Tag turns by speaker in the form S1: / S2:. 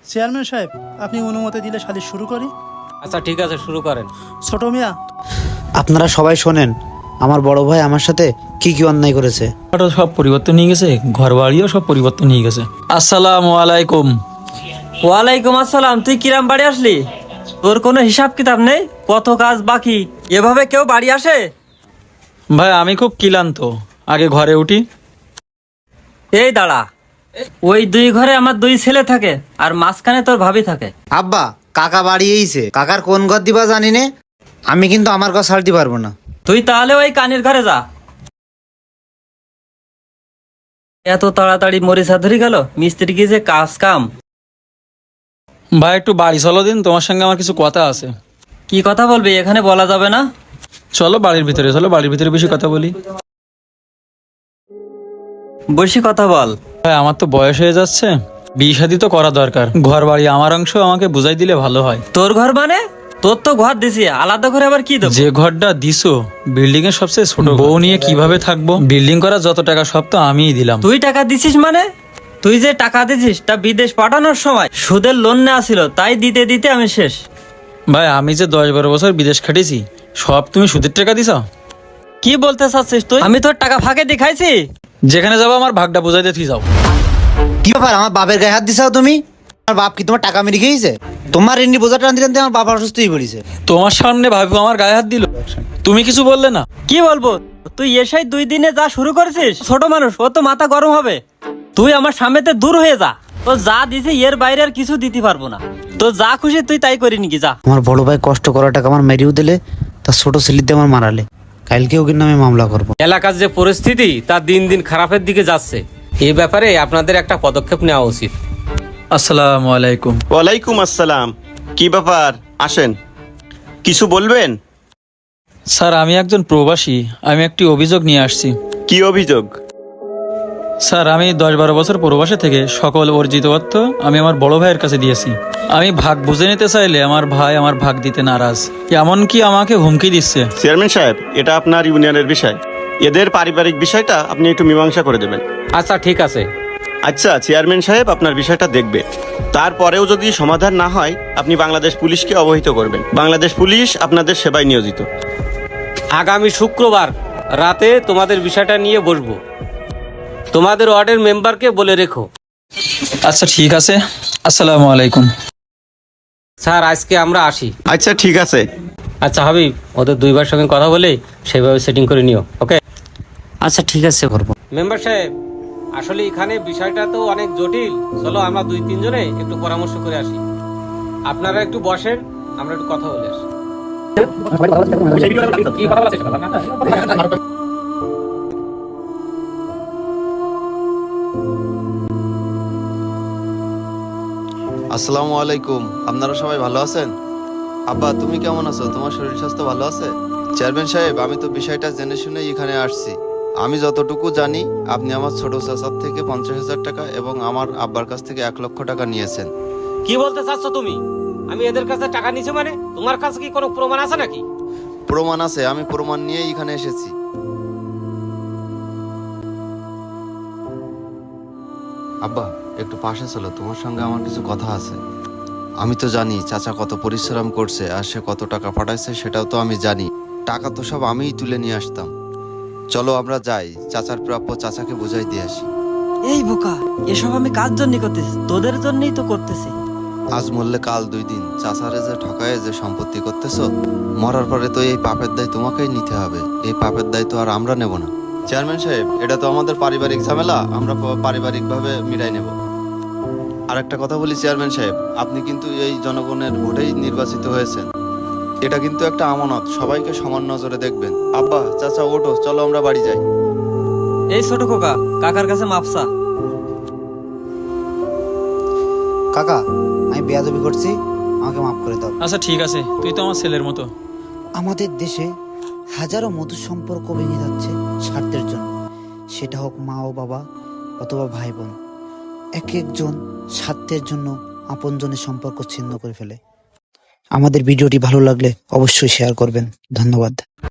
S1: Chairman সাহেব, আপনি অনুমতি দিলে সালিশ শুরু করি।
S2: আচ্ছা ঠিক আছে, শুরু করেন।
S1: ছোট মিয়া,
S3: আপনারা সবাই শোনেন, আমার বড় ভাই আমার সাথে কি কি অন্যায় করেছে।
S4: সব পরিবর্তন নিয়ে গেছে, ঘর বাড়িও সব পরিবর্তন নিয়ে গেছে। আসসালামু আলাইকুম।
S2: ওয়ালাইকুম আসসালাম। তুই কিরাম বাড়ি আসলি? তোর কোনো হিসাব কিতাব নেই? কত কাজ বাকি? এভাবে কেউ বাড়ি আসে?
S4: ভাই আমি খুব ক্লান্ত, আগে ঘরে উঠি।
S2: এই দাঁড়া, ওই দুই ঘরে আমার দুই ছেলে থাকে, আর মাঝখানে তোর ভাবি থাকে।
S3: আব্বা, কাকা বাড়ি এইছে, কাকার কোন ঘর দিবা জানি নে, আমি কিন্তু আমার ঘর ছাড়তে পারবো না।
S2: তুই তাহলে ওই কানের ঘরে যা। এত তাড়াতাড়ি মরিচা ধরে গেল, মিস্ত্রি কি যে কাজ কাম।
S4: ভাই একটু বাড়ি চলো দিন, তোমার সঙ্গে আমার কিছু কথা আছে।
S2: কি কথা বলবি? এখানে বলা যাবে না।
S4: চলো বাড়ির ভিতরে, চলো বাড়ির ভিতরে বেশি কথা বলি।
S2: বেশি কথা বল।
S4: ভাই আমার তো বয়স হয়ে যাচ্ছে, বিয়ে শাদী তো করা দরকার। ঘর বাড়ি আমার অংশ আমাকে বুঝাই দিলে ভালো হয়।
S2: তোর ঘর মানে? তোর তো ঘর দিছি, আলাদা করে আবার কি দেবো?
S4: যে ঘরটা দিছো বিল্ডিং এর সবচেয়ে ছোট, বউ নিয়ে কিভাবে থাকবো? বিল্ডিং করার যত টাকা সব তো আমিই দিলাম।
S2: তুই টাকা দিছিস মানে? তুই যে টাকা দিছিস তা বিদেশ পাঠানোর সময় সুদের লোন নেওয়া ছিল, তাই দিতে দিতে আমি শেষ।
S4: ভাই আমি যে 10-12 বছর বিদেশ খাটিয়েছি, সব তুমি সুদের টাকা দিছো?
S2: কি বলতে চাচ্ছিস তুই? আমি তোর টাকা ফাঁকে দেখাইছি?
S4: যেখানে যাবো আমার ভাগটা বুঝাই দিয়ে যাও।
S3: কি ব্যাপার, আমার বাপের গায়ে হাত দিছাও তুমি? আমার বাপ কি তোমার টাকা মেরে খেয়েছে? তোমার এমনি বোঝা টানতে টানতে আমার বাবা অসুস্থ হয়ে পড়েছে।
S4: তোমার সামনে ভাবি আমার গায়ে হাত দিল, তুমি কিছু বললে না?
S2: কি বলবো? তুই এসেই 2 দিনে যা শুরু করেছিস, ছোট মানুষ, ও তো মাথা গরম হবে। তুই আমার সামনেতে দূর হয়ে যা। তো যা দিছি এর বাইরে আর কিছু দিতে পারবো না। তো যা খুশি তুই তাই করি নাকি, যা।
S3: আমার বড় ভাই কষ্ট করা টাকা আমার মেরিও দিলে, তার ছোট ছেলেতে আমার মারালে, কালকেও কিন্তু আমি মামলা করবো।
S5: এলাকার যে পরিস্থিতি তা দিন দিন খারাপের দিকে যাচ্ছে, এই ব্যাপারে আপনাদের একটা পদক্ষেপ নেওয়া উচিত।
S4: আসসালামু আলাইকুম।
S6: ওয়ালাইকুম আসসালাম। কি ব্যাপার, আসেন, কিছু বলবেন?
S4: স্যার আমি একজন প্রবাসী, আমি একটি অভিযোগ নিয়ে আসছি।
S6: কি অভিযোগ?
S4: স্যার আমি 10-12 বছর প্রবাসে থেকে সকল অর্জিত অর্থ আমি আমার বড় ভাইয়ের কাছে দিয়েছি। আমি ভাগ বুঝে নিতে চাইলে আমার ভাই আমার ভাগ দিতে নারাজ, এমনকি আমাকে হুমকি দিচ্ছে।
S6: চেয়ারম্যান সাহেব, এটা আপনার ইউনিয়নের বিষয়, এদের পারিবারিক বিষয়টা আপনি একটু মীমাংসা করে দেবেন।
S5: আচ্ছা ঠিক আছে।
S6: আচ্ছা চেয়ারম্যান সাহেব আপনার বিষয়টা দেখবে, তারপরেও যদি সমাধান না হয় আপনি বাংলাদেশ পুলিশকে অবহিত করবেন। বাংলাদেশ পুলিশ আপনাদের সেবায় নিয়োজিত।
S5: আগামী শুক্রবার রাতে তোমাদের বিষয়টা নিয়ে বসবো, তোমাদের ওয়ার্ডের মেম্বারকে বলে রেখো।
S4: আচ্ছা ঠিক আছে, আসসালামু আলাইকুম।
S5: স্যার আজকে আমরা আসি।
S6: আচ্ছা ঠিক আছে।
S5: আচ্ছা হাবিব, ওদের 2 ভাইয়ের সঙ্গে কথা বলে সেভাবে সেটিং করে নিও। ওকে
S2: আচ্ছা ঠিক আছে, করবো।
S5: মেম্বার সাহেব, আসলে এখানে বিষয়টা তো অনেক জটিল, চলো আমরা 2-3 জনে একটু পরামর্শ করে আসি। আপনারা একটু বসেন, আমরা একটু কথা বলে আসি।
S7: আসসালামু আলাইকুম। আপনারা সবাই ভালো আছেন? আব্বা তুমি কেমন আছো? তোমার শরীর স্বাস্থ্য ভালো আছে? চেয়ারম্যান সাহেব, আমি তো বিষয়টা জেনে শুনে এখানে আসছি। আমি যতটুকু জানি আপনি আমার ছোট চাচার থেকে 50,000 টাকা এবং আমার আব্বার কাছ থেকে 1 লক্ষ টাকা নিয়েছেন।
S5: কি বলতে চাচ্ছ তুমি? আমি এদের কাছে টাকা নিছি মানে? তোমার কাছে কি কোনো প্রমাণ আছে নাকি?
S7: প্রমাণ আছে, আমি প্রমাণ নিয়ে এখানে এসেছি। আব্বা একটু পাশে চলো, তোমার সঙ্গে আমার কিছু কথা আছে। আমি তো জানি চাচা কত পরিশ্রম করছে আর সে কত টাকা পাঠাইছে সেটাও তো আমি জানি। টাকা তো সব আমিই তুলে নিয়ে আসতাম। চলো আমরা যাই, চাচার প্রাপ্য চাচাকে বুঝাই দিয়ে আসি।
S2: এই বোকা, এসব আমি কার জন্য করতেছি? তোদের জন্যই তো করতেছি।
S7: আজ মরলে কাল 2 দিন, চাচারে যে ঠকায় যে সম্পত্তি করতেছো, মরার পরে তো এই পাপের দায় তোমাকেই নিতে হবে। এই পাপের দায় তো আর আমরা নেব না। চেয়ারম্যান সাহেব, এটা তো আমাদের পারিবারিক ঝামেলা, আমরা পারিবারিকভাবে মিটাই নেব। আর একটা কথা বলি চেয়ারম্যান সাহেব, আপনি কিন্তু এই জনগণের ভোটেই নির্বাচিত হয়েছেন। এটা কিন্তু একটা আমানত, সবাইকে সমান নজরে দেখবেন। আব্বা চাচা ওঠো, চলো আমরা বাড়ি যাই।
S2: এই ছোট খোকা, কাকার কাছে মাপসা।
S3: কাকা, আমি বেয়াদবি করছি, আমাকে মাফ করে দাও।
S4: আচ্ছা ঠিক আছে, তুই তো আমার ছেলের মতো।
S3: আমাদের দেশে হাজারো মধুর সম্পর্ক ভেঙে যাচ্ছে স্বার্থের জন্য, সেটা হোক মা ও বাবা অথবা ভাই বোন। এক একজন স্বার্থের জন্য আপনজনের সম্পর্ক ছিন্ন করে ফেলে। আমাদের ভিডিওটি ভালো লাগলে অবশ্যই শেয়ার করবেন। ধন্যবাদ।